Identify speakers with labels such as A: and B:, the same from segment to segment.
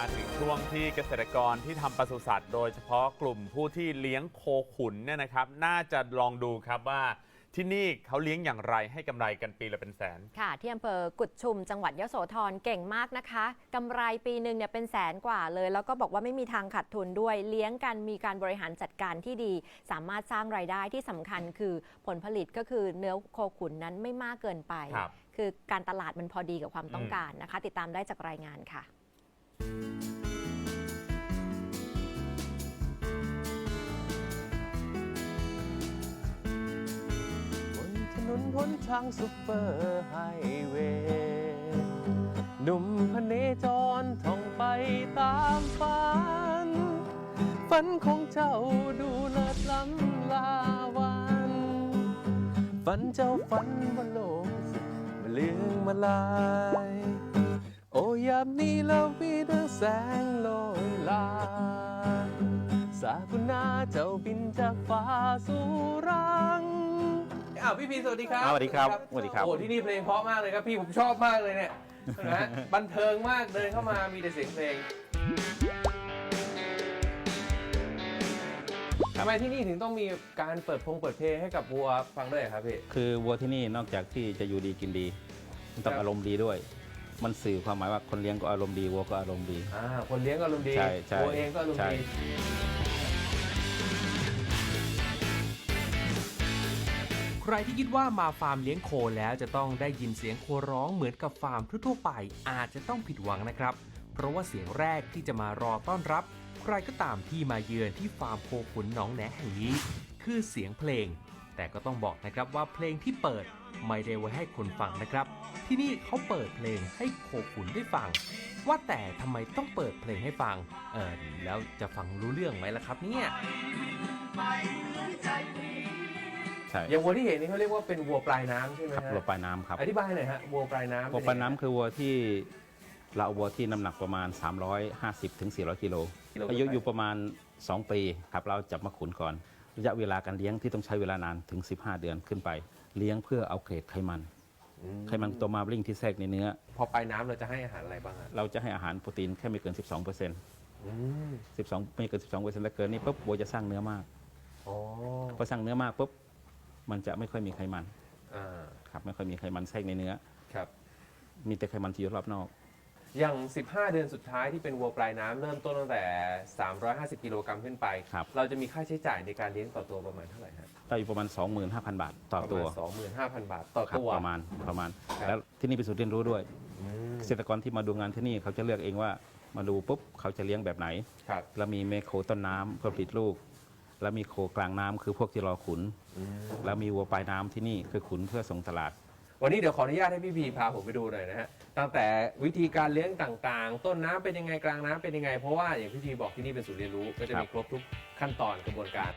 A: มาถึงช่วงที่เกษตรกรที่ทำปศุสัตว์โดยเฉพาะกลุ่มผู้ที่เลี้ยงโคขุนเนี่ยนะครับน่าจะลองดูครับว่าที่นี่เขาเลี้ยงอย่างไรให้กำไรกันปีละเป็นแสน
B: ค่ะที่อำเภอกุดชุมจังหวัดยโสธรเก่งมากนะคะกำไรปีหนึ่งเนี่ยเป็นแสนกว่าเลยแล้วก็บอกว่าไม่มีทางขาดทุนด้วยเลี้ยงกันมีการบริหารจัดการที่ดีสามารถสร้างรายได้ที่สำคัญคือผลผลิตก็คือเนื้อโคขุนนั้นไม่มากเกินไปคือการตลาดมันพอดีกับความต้องการนะคะติดตามได้จากรายงานค่ะ
C: ถนนหนทางซุปเปอร์ไฮเวย์หนุ่มพเนจรท่องไปตามฝันฝันของเจ้าดูเลิศล้ำลาวันฝันเจ้าฝันว่าโลกสิมาเลืองมาลายโอ้ยามนี้แล้วมีดังแสงลอยลาสากุณาเจ้าบินจากฟ้าสู่รังพี่พีสวัสดีครับ
D: สวัสดีครับสวัสดีครับ
C: โอ้ที่นี่เพลงเพราะมากเลยครับพี่ผมชอบมากเลยเนี่ยนะบันเทิงมากเดินเข้ามามีแต่เสียงเพลงทำไมที่นี่ถึงต้องมีการเปิดเพลงให้กับวัวฟังด้วยครับพี่
D: คือวัวที่นี่นอกจากที่จะอยู่ดีกินดีต้องอารมณ์ดีด้วยมันสื่อความหมายว่าคนเลี้ยงก็อารมณ์ดีวัวก็อารมณ์ดี
C: คนเลี้ยงก็อารมณ์ดีวัวเองก็อารมณ์ดี
E: ใครที่คิดว่ามาฟาร์มเลี้ยงโคแล้วจะต้องได้ยินเสียงโคร้องเหมือนกับฟาร์มทั่วไปอาจจะต้องผิดหวังนะครับเพราะว่าเสียงแรกที่จะมารอต้อนรับใครก็ตามที่มาเยือนที่ฟาร์มโคขุนหนองแหนแห่งนี้คือเสียงเพลงแต่ก็ต้องบอกนะครับว่าเพลงที่เปิดไม่ได้ไว้ให้คนฟังนะครับที่นี่เขาเปิดเพลงให้โคขุนได้ฟังว่าแต่ทำไมต้องเปิดเพลงให้ฟังแล้วจะฟังรู้เรื่องไหมล่ะครับเนี่ย
C: อย่างวัวที่เห็นนี่เขาเรียกว่าเป็นวัวปลายน้ำใช่ไหม
D: ครับวัวปลายน้ำครับ
C: อธิบายหน่อยฮะวัวปลายน้ำ
D: วัวปลายน้ำคือวัวที่เราเอาวัวที่น้ำหนักประมาณ350ถึง400กิโลอายุอยู่ประมาณ2ปีครับเราจับมาขุนก่อนระยะเวลาการเลี้ยงที่ต้องใช้เวลานานถึง15เดือนขึ้นไปเลี้ยงเพื่อเอาเกรดไขมันตัวมาริ่งที่แทรกในเนื้อ
C: พอปลายน้ำเราจะให้อาหารอะไรบ้าง
D: เราจะให้อาหารโปรตีนแค่ไม่เกิน 12% 12ไม่เกิน 12%แล้วเกินนี่ปุ๊บวัวจะสร้างเนื้อมากพอสร้างเนื้อมากปุ๊บมันจะไม่ค่อยมีไขมันครับไม่ค่อยมีไขมันแทรกในเนื้อ
C: ครับ
D: มีแต่ไขมันที่อยู่รอบนอก
C: อย่าง15เดือนสุดท้ายที่เป็นวัวปลายน้ำเริ่มต้นตั้งแต่350กิโลกรัมขึ้นไปเราจะมีค่าใช้จ่ายในการเลี้ยงต่อตัวประมาณเท่าไหร่ครับ
D: เราอยู่ประมาณ 25,000 บาทต่อตัว
C: 25,000 บาทต่อตัว
D: ประมาณแล้วที่นี่เป็นศูนย์เรียนรู้ด้วยเกษตรกรที่มาดูงานที่นี่เขาจะเลือกเองว่ามาดูปุ๊บเขาจะเลี้ยงแบบไหนเรามีเมโคต้นน้ำเพื่อผลิตลูกแล้วมีโคกลางน้ำคือพวกที่รอขุนแล้วมีวัวปลายน้ำที่นี่คือขุนเพื่อส่งตลาด
C: วันนี้เดี๋ยวขออนุญาตให้พี่พีพาผมไปดูหน่อยนะฮะตั้งแต่วิธีการเลี้ยงต่างๆต้นน้ำเป็นยังไงกลางน้ำเป็นยังไงเพราะว่าอย่างพี่พีบอกที่นี่เป็นศูนย์เรียนรู้ก็จะมีครบทุกขั้นตอนกระบวนการ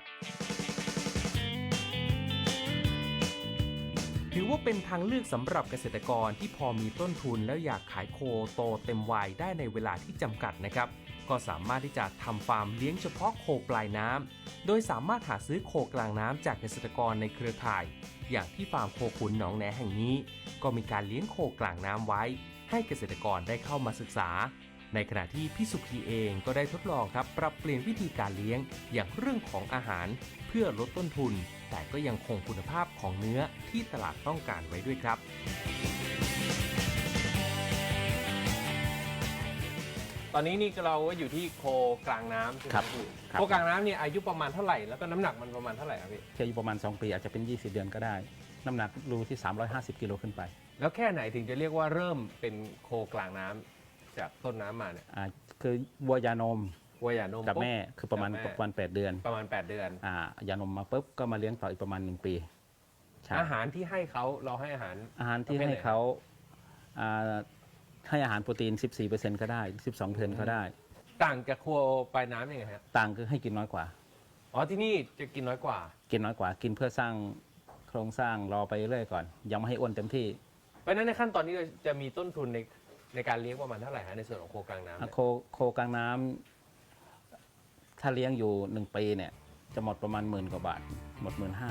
E: ถือว่าเป็นทางเลือกสำหรับเกษตรกรที่พอมีต้นทุนแล้วอยากขายโคโตเต็มวัยได้ในเวลาที่จำกัดนะครับก็สามารถที่จะทำฟาร์มเลี้ยงเฉพาะโคปลายน้ำโดยสามารถหาซื้อโคกลางน้ำจากเกษตรกรในเครือข่ายอย่างที่ฟาร์มโคขุนหนองแหนแห่งนี้ก็มีการเลี้ยงโคกลางน้ำไว้ให้เกษตรกรได้เข้ามาศึกษาในขณะที่พี่สุขีเองก็ได้ทดลองครับปรับเปลี่ยนวิธีการเลี้ยงอย่างเรื่องของอาหารเพื่อลดต้นทุนแต่ก็ยังคงคุณภาพของเนื้อที่ตลาดต้องการไว้ด้วยครับ
C: ตอนนี้นี่เราก็อยู่ที่โคกลางน้ำใช่ไหมพี่โคกลางน้ำเนี่ยอายุประมาณเท่าไหร่แล้วก็น้ำหนักมันประมาณเท่าไหร่ครับพี่
D: อายุประมาณ2ปีอาจจะเป็น20เดือนก็ได้น้ำหนักรูที่350กิโลขึ้นไป
C: แล้วแค่ไหนถึงจะเรียกว่าเริ่มเป็นโคกลางน้ำจากต้นน้ำมาเนี่ย
D: คือวัวยานม
C: กับ
D: แม่คือประมาณ8เดือน
C: ประมาณ8เดือน
D: ยานมมาปุ๊บก็มาเลี้ยงต่ออีกประมาณ1ปี
C: อาหารที่ให้เขาเราให้อาหาร
D: ที่ให้เขาให้อาหารโปรตีน 14% ก็ได้ 12% ก็ได้
C: ต่างจากโคปลายน้ำยังไงฮะ
D: ต่างคือให้กินน้อยกว่า
C: ที่นี่จะกินน้อยกว่า
D: กินเพื่อสร้างโครงสร้างรอไปเรื่อยก่อนยังไม่ให้อ้วนเต็มที่
C: เพราะนั้นในขั้นตอนนี้จะมีต้นทุนในการเลี้ยงประมาณเท่าไหร่ฮะในส่วนของโคกลางน้ำ
D: โคกลางน้ำถ้าเลี้ยงอยู่1ปีเนี่ยจะหมดประมาณ10,000 กว่าบาทหมด 15,000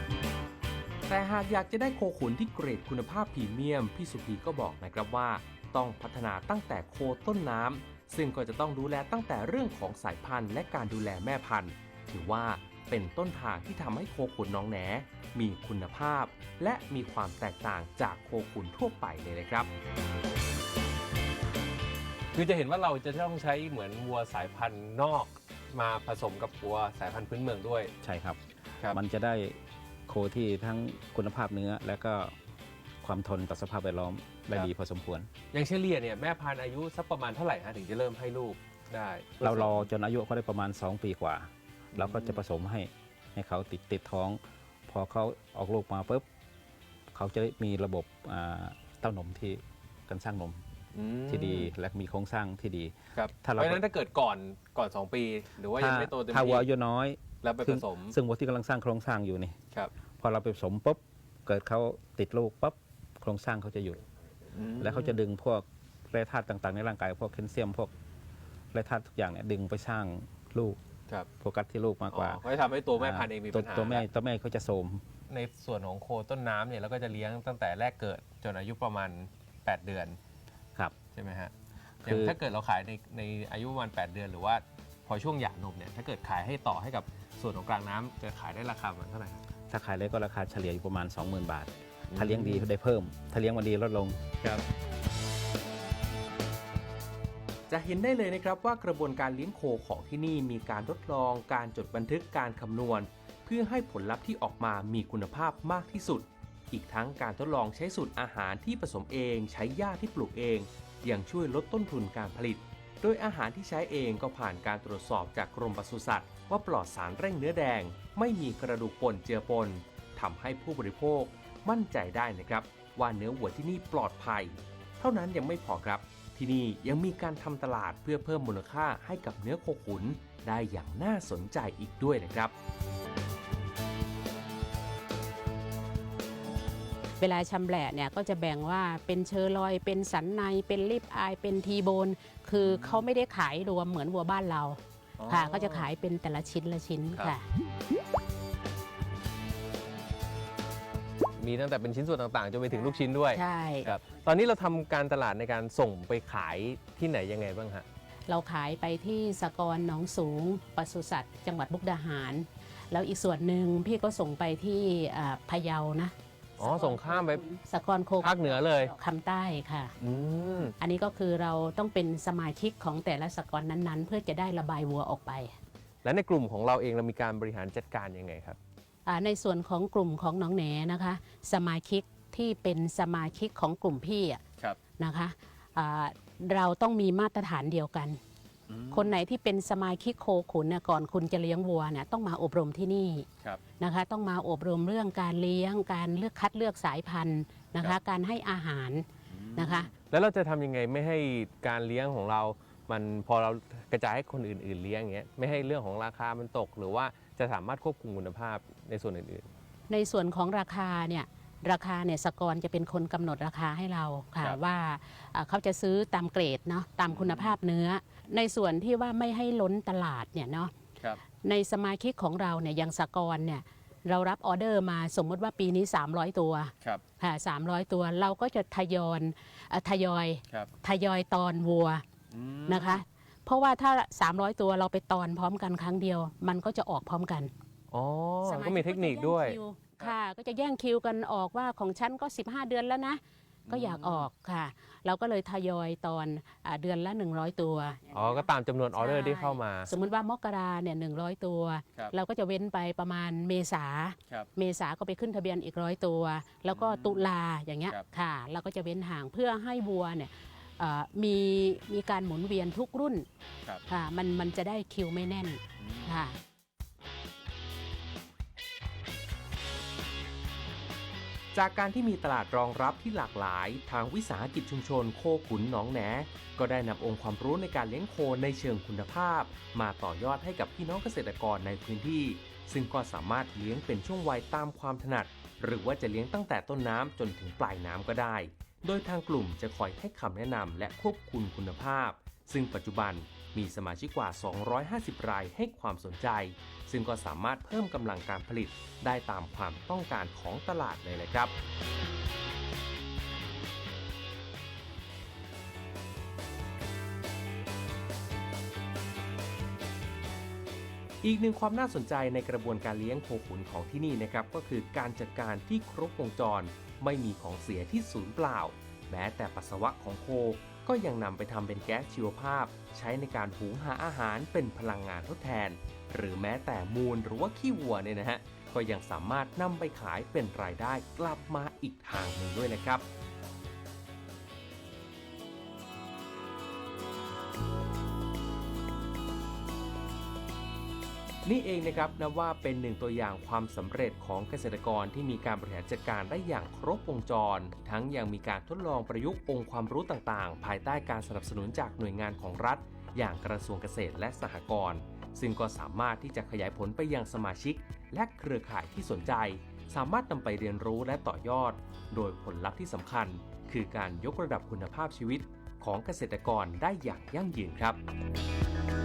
E: แต่หากอยากจะได้โคขุนที่เกรดคุณภาพพรีเมียมพี่สุพีก็บอกนะครับว่าต้องพัฒนาตั้งแต่โคต้นน้ำซึ่งก็จะต้องดูแลตั้งแต่เรื่องของสายพันธุ์และการดูแลแม่พันธุ์ถือว่าเป็นต้นทางที่ทำให้โคขุนหนองแหนมีคุณภาพและมีความแตกต่างจากโคขุนทั่วไปเลยครับ
C: คือจะเห็นว่าเราจะต้องใช้เหมือนวัวสายพันธุ์นอกมาผสมกับวัวสายพันธุ์พื้นเมืองด้วย
D: ใช่ครับ
C: ครับ
D: มันจะได้โคที่ทั้งคุณภาพเนื้อและก็ความทนต่อสภาพแวดล้อมได้ดีพอสมควร
C: อย่างเฉลี่ยเนี่ยแม่พันธุ์อายุสักประมาณเท่าไหร่ฮะถึงจะเริ่มให้ลูกได้
D: เรารอจนอายุเขาได้ประมาณ 2 ปีกว่า เราก็จะผสมให้เขาติดท้อง พอเขาออกลูกมาปุ๊บเขาจะมีระบบเต้านมที่การสร้างนมที่ดีและมีโครงสร้างที่ดี
C: ครับ
D: ถ้า
C: เพ
D: เรา
C: ราะฉะนั้นถ้าเกิดก่อน 2 ปี หรือว่ายังไม่โตเต็ม
D: ถ้าวัว
C: ที่
D: อายุน้อย
C: แล้วไปผสม
D: ซึ่งวัวที่กำลังสร้างโครงสร้างอยู่นี่
C: ครับ
D: พอเราไปผสมปุ๊บเกิดเขาติดลูกปุ๊บโครงสร้างเขาจะหยุด แล้วเขาจะดึงพวกแร่ธาตุต่างๆในร่างกายพวกแคลเซียมพวกแร่ธาตุทุกอย่างเนี่ยดึงไปสร้างลูก
C: ครับ
D: โฟกัสที่ลูกมากกว่า
C: ก็จะทำให้ตัวแม่พันธุ์เองมีปัญหา
D: ตัวแม่เขาจะโทรม
C: ในส่วนของโคต้นน้ำเนี่ยเราก็จะเลี้ยงตั้งแต่แรกเกิดจนอายุประมาณ 8 เดือน
D: ครับ
C: ใช่ไหมฮะ
D: คือ
C: อย่างถ้าเกิดเราขายในอายุประมาณ 8 เดือนหรือว่าพอช่วงหย่านมเนี่ยถ้าเกิดขายให้ต่อให้กับส่วนของกลางน้ำจะขายได้ราคาประมาณเท่าไหร่ครับ
D: ถ้าขายเล็กก็ราคาเฉลี่ยอยู่ประมาณ 20,000 บาท ถ้าเลี้ยงดีได้เพิ่ม ถ้าเลี้ยงมันดีลดลง
C: ครับ
E: จะเห็นได้เลยนะครับว่ากระบวนการเลี้ยงโคของที่นี่มีการทดลองการจดบันทึกการคำนวณ เพื่อให้ผลลัพธ์ที่ออกมามีคุณภาพมากที่สุด อีกทั้งการทดลองใช้สูตรอาหารที่ผสมเองใช้หญ้าที่ปลูกเองยังช่วยลดต้นทุนการผลิต โดยอาหารที่ใช้เองก็ผ่านการตรวจสอบจากกรมปศุสัตว์ว่าปลอดสารเร่งเนื้อแดง ไม่มีกระดูกป่นเจือปนทำให้ผู้บริโภคมั่นใจได้นะครับว่าเนื้อวัวที่นี่ปลอดภัย เท่านั้นยังไม่พอครับ ที่นี่ยังมีการทำตลาดเพื่อเพิ่มมูลค่าให้กับเนื้อโคขุนได้อย่างน่าสนใจอีกด้วยนะครับ
F: เวลาชำแหละเนี่ยก็จะแบ่งว่าเป็นเชอร์ลอยเป็นสันในเป็นริบอายเป็นทีโบนคือเขาไม่ได้ขายรวมเหมือนวัวบ้านเราค่ะก็จะขายเป็นแต่ละชิ้นละชิ้นค่ะ
C: มีตั้งแต่เป็นชิ้นส่วนต่างๆจนไปถึงลูกชิ้นด้วย
F: ใช่
C: ครับตอนนี้เราทำการตลาดในการส่งไปขายที่ไหนยังไงบ้างฮะ
F: เราขายไปที่สกรหนองสูงปศุสัตว์จังหวัดมุกดาหาร แล้วอีกส่วนหนึ่งพี่ก็ส่งไปที่พะเยานะ
C: อ๋อส่งข้ามไป
F: สกรโค
C: ภาคเหนือเลย
F: คำใต้ค่ะ
C: อืม
F: อันนี้ก็คือเราต้องเป็นสมาชิกของแต่ละสกรนั้นๆ เพื่อจะได้ระบายวัวออกไป
C: และในกลุ่มของเราเองเรามีการบริหารจัดการยังไงครับ
F: ในส่วนของกลุ่มของหนองแหนนะคะ สมาชิกที่เป็นสมาชิกของกลุ่มพี่อะ
C: ครับ
F: นะคะเราต้องมีมาตรฐานเดียวกัน คนไหนที่เป็นสมาชิกโคขุนเนี่ยก่อนคุณจะเลี้ยงวัวเนี่ยต้องมาอบรมที่นี่
C: ครับ
F: นะคะ ต้องมาอบรมเรื่องการเลี้ยงการเลือกคัดเลือกสายพันธุ์นะ
C: ครั
F: คะ
C: บ
F: การให้อาหารนะคะ
C: แล้วเราจะทำยังไงไม่ให้การเลี้ยงของเรา มันพอเรากระจายให้คนอื่นๆเลี้ยงอย่างเงี้ยไม่ให้เรื่องของราคามันตก หรือว่าจะสามารถควบคุมคุณภาพในส่วนอื่น
F: ในส่วนของราคาเนี่ยสกรจะเป็นคนกำหนดราคาให้เราค่ะ
C: ครับ
F: ว่าเขาจะซื้อตามเกรดเนาะตามคุณภาพเนื้อ ในส่วนที่ว่าไม่ให้ล้นตลาดเนี่ยเนาะ
C: ๆครับ
F: ในสมาชิกของเราเนี่ยอย่างสกรเนี่ยเรารับออเดอร์มาสมมติว่าปีนี้ 300 ตัว
C: ครับ
F: ค่ะ300 ตัวเราก็จะทยอย
C: ครับ
F: ตอนวัวนะคะ เพราะว่าถ้า 300 ตัวเราไปตอนพร้อมกันครั้งเดียว มันก็จะออกพร้อมกัน
C: อ๋อ
F: สาชิ
C: ก็มีเทคนิคด้วย
F: ก็จะแงคิค่ะ ก็จะแย่งคิวกันออกว่าของฉันก็ 15 เดือนแล้วนะ ก็อยากออกค่ะ เราก็เลยทยอยตอนเดือนละ 100 ตัว
C: อ๋อ ก็ตามจำนวนออเดอร์ที่เข้ามา
F: สมมุติว่ามกราเนี่ย100 ตัว
C: ครับ
F: เราก็จะเว้นไปประมาณเมษา
C: ครับ
F: เมษาก็ไปขึ้นทะเบียนอีก100 ตัว แล้วก็ตุลาอย่างเงี้ย
C: ครับ
F: ค่ะ เราก็จะเว้นห่างเพื่อให้วัวเนี่ยมีการหมุนเวียนทุกรุ่น
C: ครับ
F: ค่ะ มันจะได้คิวไม่แน่นค่ะ
E: จากการที่มีตลาดรองรับที่หลากหลาย ทางวิสาหกิจชุมชนโคขุนหนองแหน ก็ได้นำองค์ความรู้ในการเลี้ยงโคในเชิงคุณภาพ มาต่อยอดให้กับพี่น้องเกษตรกรในพื้นที่ ซึ่งก็สามารถเลี้ยงเป็นช่วงวัยตามความถนัด หรือว่าจะเลี้ยงตั้งแต่ต้นน้ำจนถึงปลายน้ำก็ได้ โดยทางกลุ่มจะคอยให้คำแนะนำและควบคุมคุณภาพ ซึ่งปัจจุบันมีสมาชิกกว่า 250 รายให้ความสนใจ ซึ่งก็สามารถเพิ่มกำลังการผลิตได้ตามความต้องการของตลาดเลยแหละครับอีกหนึ่งความน่าสนใจในกระบวนการเลี้ยงโคขุนของที่นี่นะครับก็คือการจัดการที่ครบวงจรไม่มีของเสียที่สูญเปล่าแม้แต่ปัสสาวะของโคก็ยังนำไปทำเป็นแก๊สชีวภาพใช้ในการหุงหาอาหารเป็นพลังงานทดแทนหรือแม้แต่มูลหรือว่าขี้วัวเนี่ยนะฮะก็ยังสามารถนำไปขายเป็นรายได้กลับมาอีกทางหนึ่งด้วยนะครับนี่เองนะครับนับว่าเป็นหนึ่งตัวอย่างความสำเร็จของเกษตรกรที่มีการบริหารจัดการได้อย่างครบวงจรทั้งยังมีการทดลองประยุกต์องค์ความรู้ต่างๆภายใต้การสนับสนุนจากหน่วยงานของรัฐอย่างกระทรวงเกษตรและสหกรณ์ซึ่งก็สามารถที่จะขยายผลไปยังสมาชิกและเครือข่ายที่สนใจสามารถนำไปเรียนรู้และต่อยอดโดยผลลัพธ์ที่สำคัญคือการยกระดับคุณภาพชีวิตของเกษตรกรได้อย่างยั่งยืนครับ